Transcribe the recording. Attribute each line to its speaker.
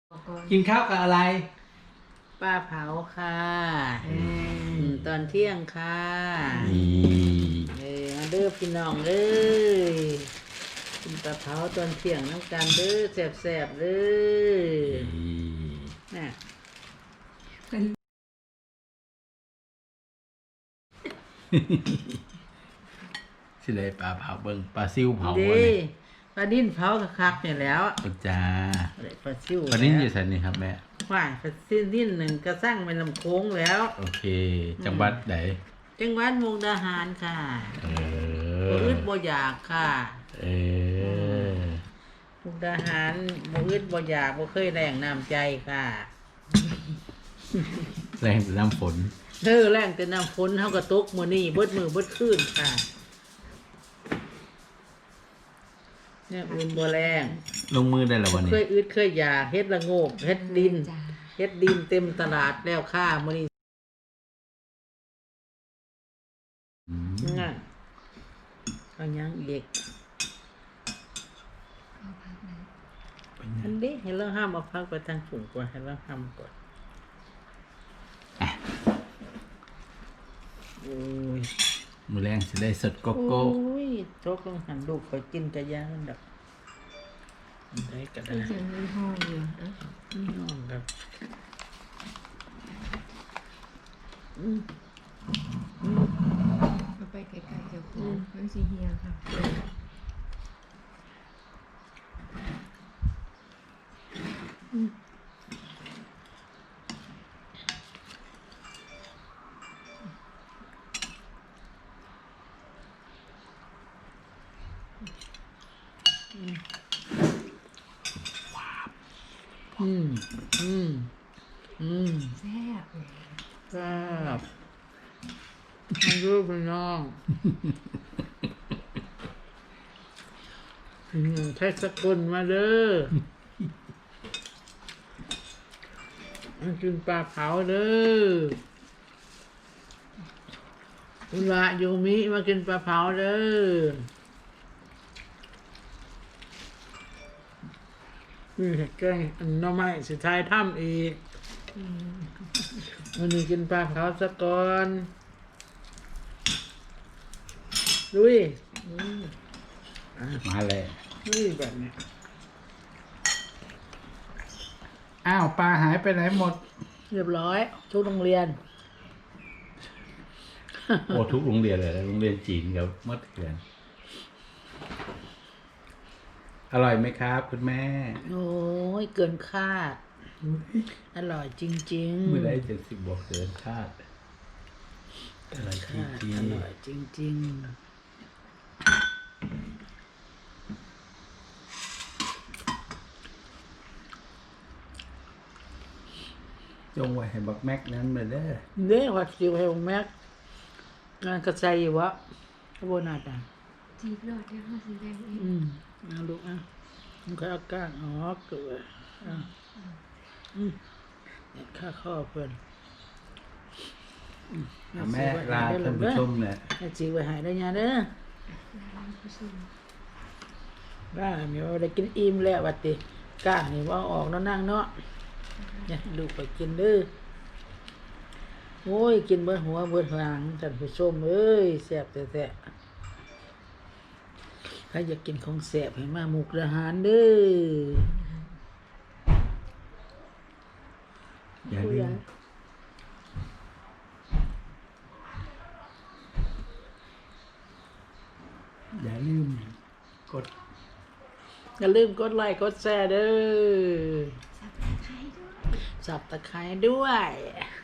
Speaker 1: กินข้าวกับอะไร
Speaker 2: ปลาเผาค่ะตอนเที่ยงค่ะมาเด้อพี่น้องเอ้ยกินปลาเผาตอนเที่ยงน้ำกันเด้อแซ่บๆเด้อน่ะ
Speaker 1: สิเลยปลาเผาเบิ่งปลาซิวเผา
Speaker 2: เด้
Speaker 1: บ่นี่
Speaker 2: ปลาดิ้นเผาคักๆเนี่ยแล้ว
Speaker 1: จ้า
Speaker 2: ปลาซิว
Speaker 1: ปลานิ่นอยู่ไสนี่ครับแม่
Speaker 2: ว่ายปลาซิวดิ้นหนึ่งกระสั่งเป็นลำโค้งแล้ว
Speaker 1: โอเคจังหวัดไหน
Speaker 2: จังหวัดมุกดาหารค่ะบ่
Speaker 1: อ
Speaker 2: อึดบ่อยากค่ะ
Speaker 1: เออ
Speaker 2: มุกดาหารบ่อึดบ่อยากบ่เคยแรงน้ำใจค่ะ
Speaker 1: แรงแต่น้ำฝน
Speaker 2: แรงแต่น้ำฝนเฮาก็ตกมื้อนี้เบิดมื้อเบิดคืนค่ะเนี่ยอุ่นบ่แรง
Speaker 1: ลงมือได้แล้ววันนี้
Speaker 2: เคยอึดเคยอยากเฮ็ดละโงกเฮ็ดดินเฮ็ดดินเต็มตลาดแล้วค่ะมื้อนี้น่ะเอาหยังอีกอันนี้ให้เราห้ามเอาพักไปทางสูงกว่าให้เราห้ามก่อนโอ้ย
Speaker 1: มือแรงสิได้สดโกโก้
Speaker 2: โอ้ยโชคต้องหันลูกคอยกินกระยามันดับได้ก็ได้
Speaker 3: ยังมีห้องอยู่นะ
Speaker 2: น้องครับ
Speaker 3: เอาไปไกลๆเจ้าของมันสิเฮียค่ะ
Speaker 2: อืม
Speaker 3: แซ่บเลย
Speaker 2: ครับมันรู้พี่น้องใช้สกุลมาเด้อมากินปลาเผาเด้ออุระโยมิมากินปลาเผาเด้อนี่แกงอันน้อไม้สิทายถ้ำอีกวันนี้กินปลาเผาสักก่อนดุย
Speaker 1: มาเลย
Speaker 2: ดุยแบบนี้
Speaker 1: อ้าวปลาหายไปไหนหมด
Speaker 2: เรียบร้อยทุกโรงเรียน
Speaker 1: โอ้ทุกโรงเรียนเลยโรงเรียนจีนกับมัธยมอร่อยไหมครับคุณแม่
Speaker 2: โอ้ยเกินคาด อร่อยจริงๆ
Speaker 1: เมื่อไร70บวกเกินคาดอร่อยจ
Speaker 2: คาด
Speaker 1: ริง
Speaker 2: อร่อยจริง
Speaker 1: ๆจงไว้ให้บักแม็กนั้นมาเด้อ
Speaker 2: ๆเด้วัดสิวให้องแม็กงานกระใจอยู่วะขบวนอาดา
Speaker 3: จีบรอดได้ห้าสิบแรงเอง
Speaker 2: เอาลูกมันก็เอาก้างออกเกิดเนี่ยค่าข้อเพิ่น
Speaker 1: แม่ลาท่านผู้ชมเนี่ย
Speaker 2: แม่จีไว้หายได้ยังเด้อ
Speaker 3: ร้านผู้ชม
Speaker 2: บ้ามีว่าได้กินอิ่มแล้ววัดติก้างนี่ว่าออกแล้วนั่งเนาะเนี่ยลูกไปกินเด้อโอ้ยกินเบิดหัวเบิดหางท่านผู้ชมเอ้ยแซ่บแต่ใครอยากกินของแซ่บให้มามุกดาหารเด้อ
Speaker 1: อย่าลืมอย่าลืมกด
Speaker 2: อย่าลืมกดไลค์กดแชร์เด้อ
Speaker 3: สับตะไคร้ด้วย
Speaker 2: สับตะไคร้ด้วย